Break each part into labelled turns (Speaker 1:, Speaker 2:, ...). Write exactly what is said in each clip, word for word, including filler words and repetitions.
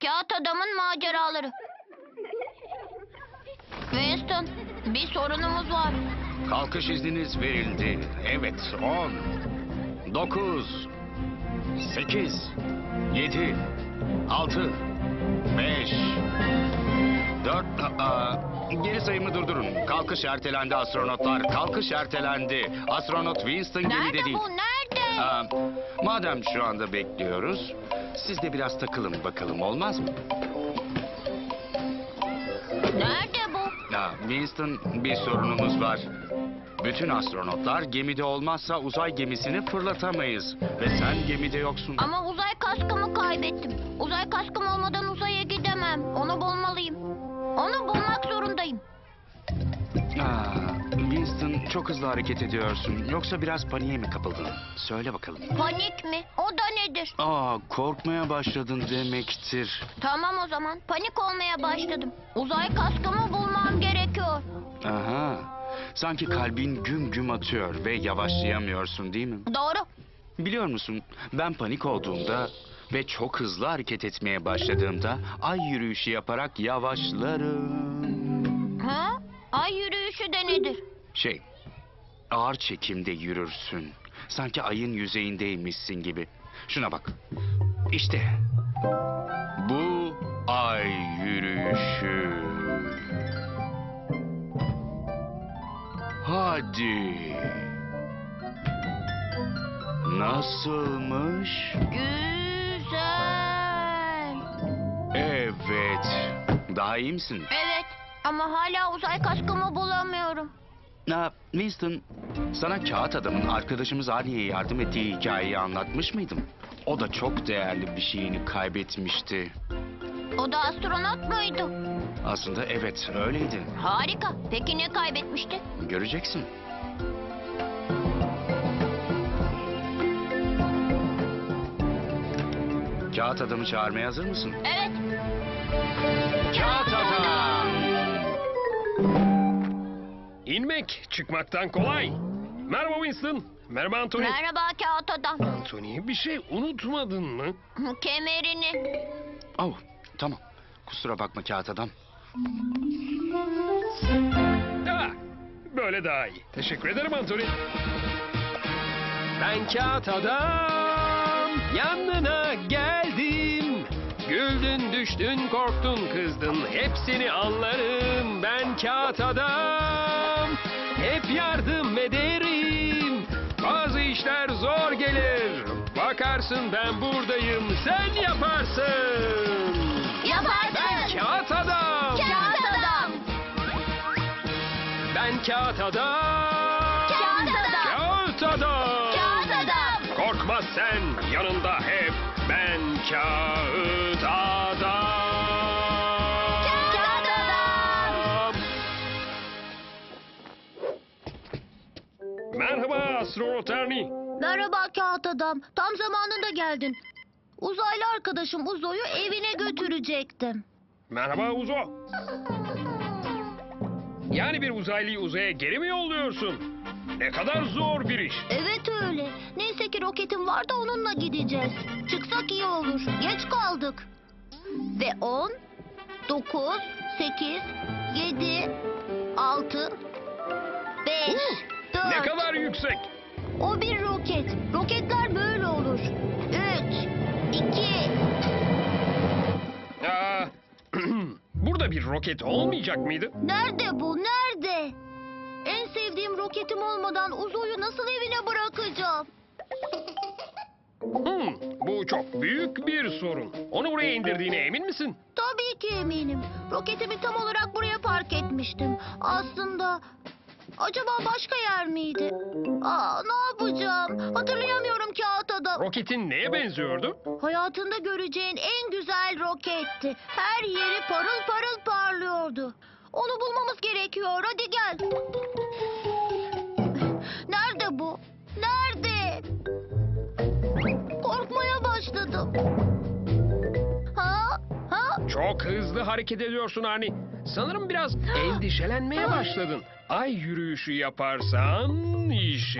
Speaker 1: Kağıt Adamın Maceraları. Winston, bir sorunumuz var.
Speaker 2: Kalkış izniniz verildi. Evet, on, dokuz, sekiz, yedi, altı, beş, dört... Aa, geri sayımı durdurun. Kalkış ertelendi astronotlar. Kalkış ertelendi. Astronot Winston gemide
Speaker 1: Nerede
Speaker 2: değil.
Speaker 1: bu? Nerede?
Speaker 2: Aa, madem şu anda bekliyoruz, siz de biraz takılın bakalım, olmaz mı?
Speaker 1: Nerede bu?
Speaker 2: Aa, Winston, bir sorunumuz var. Bütün astronotlar gemide olmazsa uzay gemisini fırlatamayız. Ve sen gemide yoksun.
Speaker 1: Ama uzay kaskımı kaybettim. Uzay kaskım olmadan uzaya gidemem. Onu bulmalıyım. Onu bulmak zorundayım.
Speaker 2: Aa, Winston, çok hızlı hareket ediyorsun. Yoksa biraz paniğe mi kapıldın? Söyle bakalım.
Speaker 1: Panik mi? O da nedir?
Speaker 2: Aa, korkmaya başladın demektir.
Speaker 1: Tamam o zaman. Panik olmaya başladım. Uzay kaskımı bulmam gerekiyor.
Speaker 2: Aha. Sanki kalbin güm güm atıyor ve yavaşlayamıyorsun, değil mi?
Speaker 1: Doğru.
Speaker 2: Biliyor musun, ben panik olduğumda ve çok hızlı hareket etmeye başladığımda ay yürüyüşü yaparak yavaşlarım.
Speaker 1: Ha? Ay yürüyüşü de nedir?
Speaker 2: Şey, ağır çekimde yürürsün. Sanki ayın yüzeyindeymişsin gibi. Şuna bak. İşte. Bu ay yürüyüşü. Hadi. Nasılmış?
Speaker 1: Güzel.
Speaker 2: Evet. Daha iyi misin?
Speaker 1: Evet ama hala uzay kaskımı bulamıyorum.
Speaker 2: Ha, Winston, sana Kağıt Adam'ın arkadaşımız Arnie'ye yardım ettiği hikayeyi anlatmış mıydım? O da çok değerli bir şeyini kaybetmişti.
Speaker 1: O da astronot muydu?
Speaker 2: Aslında evet, öyleydi.
Speaker 1: Harika. Peki ne kaybetmişti?
Speaker 2: Göreceksin. Kağıt Adam'ı çağırmaya hazır mısın?
Speaker 1: Evet.
Speaker 2: Kağıt Adam!
Speaker 3: İnmek çıkmaktan kolay. Merhaba Winston. Merhaba Anthony.
Speaker 1: Merhaba Kağıt Adam.
Speaker 3: Anthony, bir şey unutmadın mı?
Speaker 1: Kemerini.
Speaker 2: Oh, tamam. Kusura bakma Kağıt Adam.
Speaker 3: Ha, böyle daha iyi. Teşekkür ederim Anthony. Ben Kağıt Adam. Yanına geldim. Güldün, düştün, korktun, kızdın. Hepsini anlarım. Ben Kağıt Adam. Hep yardım ederim. Bazı işler zor gelir. Bakarsın ben buradayım. Sen yaparsın.
Speaker 1: Yaparsın.
Speaker 3: Ben Kağıt Adam.
Speaker 1: Kağıt Adam.
Speaker 3: Ben Kağıt Adam.
Speaker 1: Kağıt Adam.
Speaker 3: Kağıt Adam.
Speaker 1: Kağıt Adam.
Speaker 3: Korkma sen, yanında hep ben Kağıt Adam.
Speaker 1: Kağıt Adam.
Speaker 3: Merhaba astronot Ernie.
Speaker 1: Merhaba Kağıt Adam. Tam zamanında geldin. Uzaylı arkadaşım Uzo'yu evine götürecektim.
Speaker 3: Merhaba Uzo. Yani bir uzaylıyı uzaya geri mi yolluyorsun? Ne kadar zor bir iş.
Speaker 1: Evet öyle. Neyse ki roketim var da onunla gideceğiz. Çıksak iyi olur. Geç kaldık. Ve on, dokuz, sekiz, yedi, altı, beş, dört.
Speaker 3: Ne kadar yüksek.
Speaker 1: O bir roket. Roketler böyle olur. Üç, iki.
Speaker 3: Aa, burada bir roket olmayacak mıydı?
Speaker 1: Nerede bu? Nerede? En sevdiğim roketim olmadan Uzo'yu nasıl evine bırakacağım?
Speaker 3: Hmm, bu çok büyük bir sorun. Onu buraya indirdiğine emin misin?
Speaker 1: Tabii ki eminim. Roketimi tam olarak buraya park etmiştim. Aslında acaba başka yer miydi? Aa, ne yapacağım? Hatırlayamıyorum Kağıt Adam.
Speaker 3: Roketin neye benziyordu?
Speaker 1: Hayatında göreceğin en güzel roketti. Her yeri parıl parıl parlıyordu. Onu bulmamız gerekiyor. Hadi gel. Nerede bu? Nerede? Korkmaya başladım. Ha? Ha?
Speaker 3: Çok hızlı hareket ediyorsun Arnie. Sanırım biraz endişelenmeye başladın. Ay yürüyüşü yaparsan işe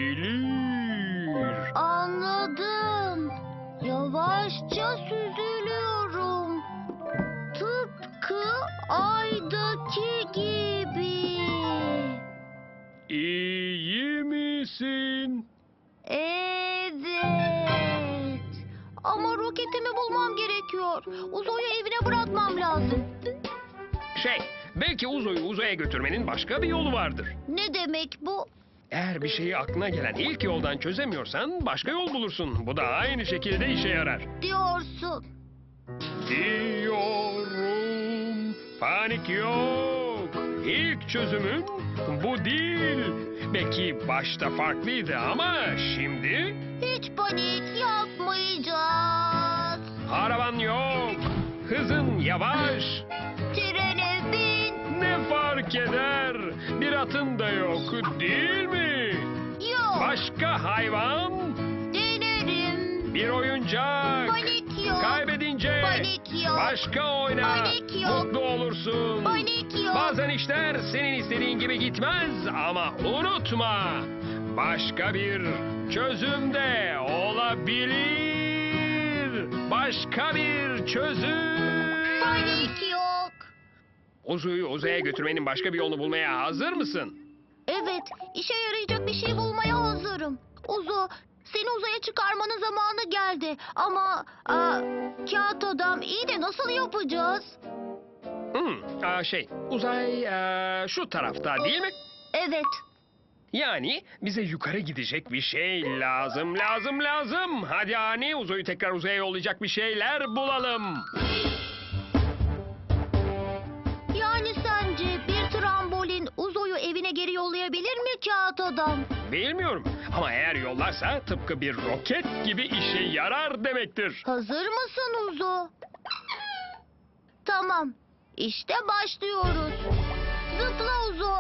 Speaker 3: yarayabilir.
Speaker 1: Anladım. Yavaşça süzülüyorum. Aydaki gibi.
Speaker 3: İyi misin?
Speaker 1: Evet. Ama roketimi bulmam gerekiyor. Uzo'yu evine bırakmam lazım.
Speaker 3: Şey, belki Uzo'yu uzaya götürmenin başka bir yolu vardır.
Speaker 1: Ne demek bu?
Speaker 3: Eğer bir şeyi aklına gelen ilk yoldan çözemiyorsan başka yol bulursun. Bu da aynı şekilde işe yarar.
Speaker 1: Diyorsun.
Speaker 3: Diyorum, panik yok. İlk çözümün bu değil. Belki başta farklıydı ama şimdi
Speaker 1: Hiç panik yapmayacağız.
Speaker 3: araban yok. Hızın yavaş.
Speaker 1: Trene bin.
Speaker 3: Ne fark eder? Bir atın da yok değil mi?
Speaker 1: Yok.
Speaker 3: Başka hayvan,
Speaker 1: Denerim.
Speaker 3: bir oyuncak.
Speaker 1: Panik yok.
Speaker 3: Kaybedince
Speaker 1: Panik yok.
Speaker 3: başka oyna.
Speaker 1: Panik yok.
Speaker 3: Mutlu olursun.
Speaker 1: Panik yok.
Speaker 3: Bazen işler senin istediğin gibi gitmez ama unutma. Başka bir çözüm de olabilir. Başka bir çözüm.
Speaker 1: Panik yok.
Speaker 3: Uzu'yu uzaya götürmenin başka bir yolunu bulmaya hazır mısın?
Speaker 1: Evet, işe yarayacak bir şey bulmaya hazırım. Uzo, seni uzaya çıkarmanın zamanı geldi. Ama aa, kağıt adam, iyi de nasıl yapacağız?
Speaker 3: Hmm, aa, şey, uzay aa, şu tarafta değil mi?
Speaker 1: Evet,
Speaker 3: Yani bize yukarı gidecek bir şey lazım, lazım, lazım. Hadi Ani, Uzo'yu tekrar uzaya yollayacak bir şeyler bulalım.
Speaker 1: yani sence bir trambolin Uzo'yu evine geri yollayabilir mi kağıt adam?
Speaker 3: Bilmiyorum ama eğer yollarsa tıpkı bir roket gibi işe yarar demektir.
Speaker 1: Hazır mısın Uzo? Tamam, işte başlıyoruz. Zıpla Uzo.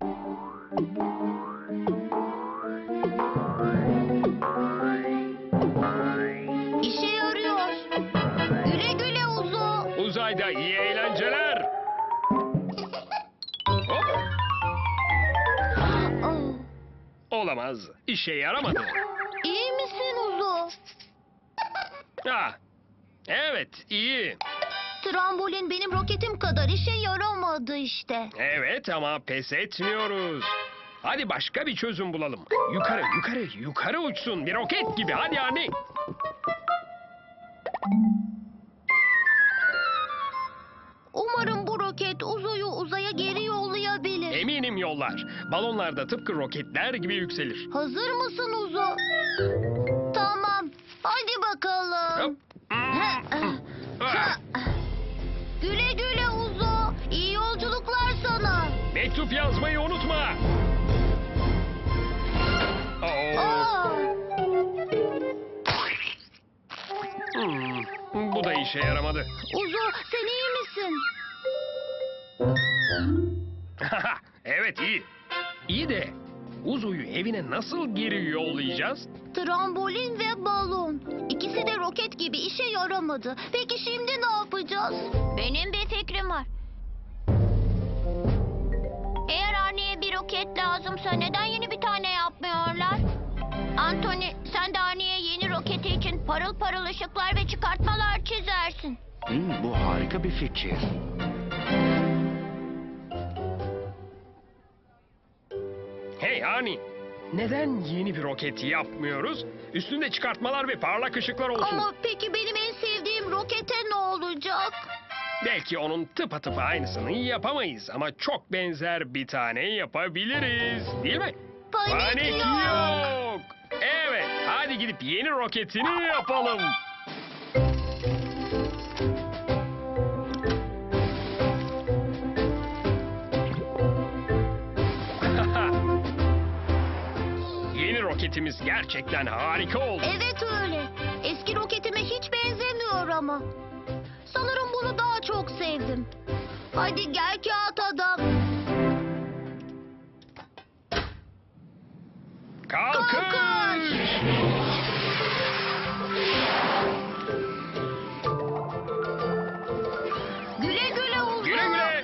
Speaker 1: İşe yarıyor. Güle güle Uzo.
Speaker 3: Uzayda iyi eğlenceler. Hop,
Speaker 1: Oh,
Speaker 3: olamaz. İşe yaramadı.
Speaker 1: İyi misin Uzo?
Speaker 3: Ha, evet, iyi.
Speaker 1: Trambolin benim roketim kadar işe yaramadı işte.
Speaker 3: Evet ama pes etmiyoruz. Hadi başka bir çözüm bulalım. Yukarı, yukarı, yukarı uçsun. Bir roket gibi. Hadi Ani.
Speaker 1: Umarım bu roket Uzo'yu uzaya geri yollayabilir.
Speaker 3: Eminim yollar. Balonlar da tıpkı roketler gibi yükselir.
Speaker 1: Hazır mısın Uzo? Tamam, hadi bakalım.
Speaker 3: Hop.
Speaker 1: Güle güle Uzo. İyi yolculuklar sana.
Speaker 3: Mektup yazmayı unutma. Oo.
Speaker 1: Aa,
Speaker 3: Hmm, bu da işe yaramadı.
Speaker 1: Uzo, sen iyi misin?
Speaker 3: Evet, iyi. İyi de Uzu'yu evine nasıl geri yollayacağız?
Speaker 1: Trambolin ve balon. İkisi de roket gibi işe yaramadı. Peki şimdi ne yapacağız? Benim bir fikrim var. Eğer Arnie'ye bir roket lazımsa neden yeni bir tane yapmıyorlar? Anthony, sen de Arnie'ye yeni roketi için parıl parıl ışıklar ve çıkartmalar çizersin.
Speaker 2: Hmm, bu harika bir fikir.
Speaker 3: Hey Ani, neden yeni bir roket yapmıyoruz? Üstünde çıkartmalar ve parlak ışıklar olsun.
Speaker 1: Ama peki benim en sevdiğim rokete ne olacak?
Speaker 3: Belki onun tıpatıp aynısını yapamayız ama çok benzer bir tane yapabiliriz. Değil mi?
Speaker 1: Panik yok.
Speaker 3: yok. Evet, hadi gidip yeni roketini yapalım. Yeni roketimiz gerçekten harika oldu.
Speaker 1: Evet öyle. Eski roketime hiç benzemiyor ama. Sanırım bunu daha çok sevdim. Hadi gel kağıt adam.
Speaker 3: Kalkış!
Speaker 1: Kalkış! Güle güle Uzo.
Speaker 3: Güle güle.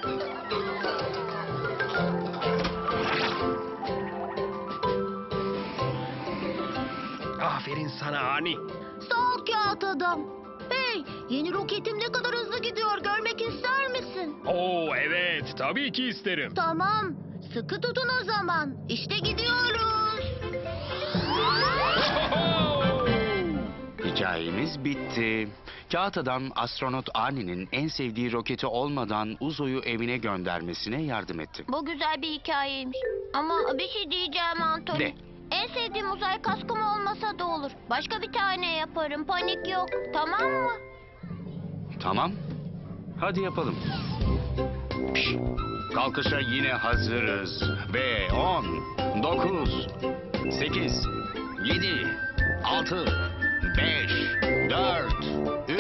Speaker 3: Aferin sana Ani.
Speaker 1: Sağ ol kağıt adam. Hey, yeni roketim ne kadar hızlı gidiyor görmek ister misin?
Speaker 3: Oo evet, tabii ki isterim.
Speaker 1: Tamam. Sıkı tutun o zaman. İşte gidiyoruz.
Speaker 2: Hikayemiz bitti. Kağıt adam astronot Arnie'nin en sevdiği roketi olmadan Uzo'yu evine göndermesine yardım etti.
Speaker 1: Bu güzel bir hikayeymiş. Ama bir şey diyeceğim Anthony.
Speaker 2: De.
Speaker 1: En sevdiğim uzay kaskım olmasa da olur. Başka bir tane yaparım. Panik yok. Tamam mı?
Speaker 2: Tamam. Hadi yapalım. Kalkışa yine hazırız. Ve on, dokuz, sekiz, yedi, altı, beş, dört,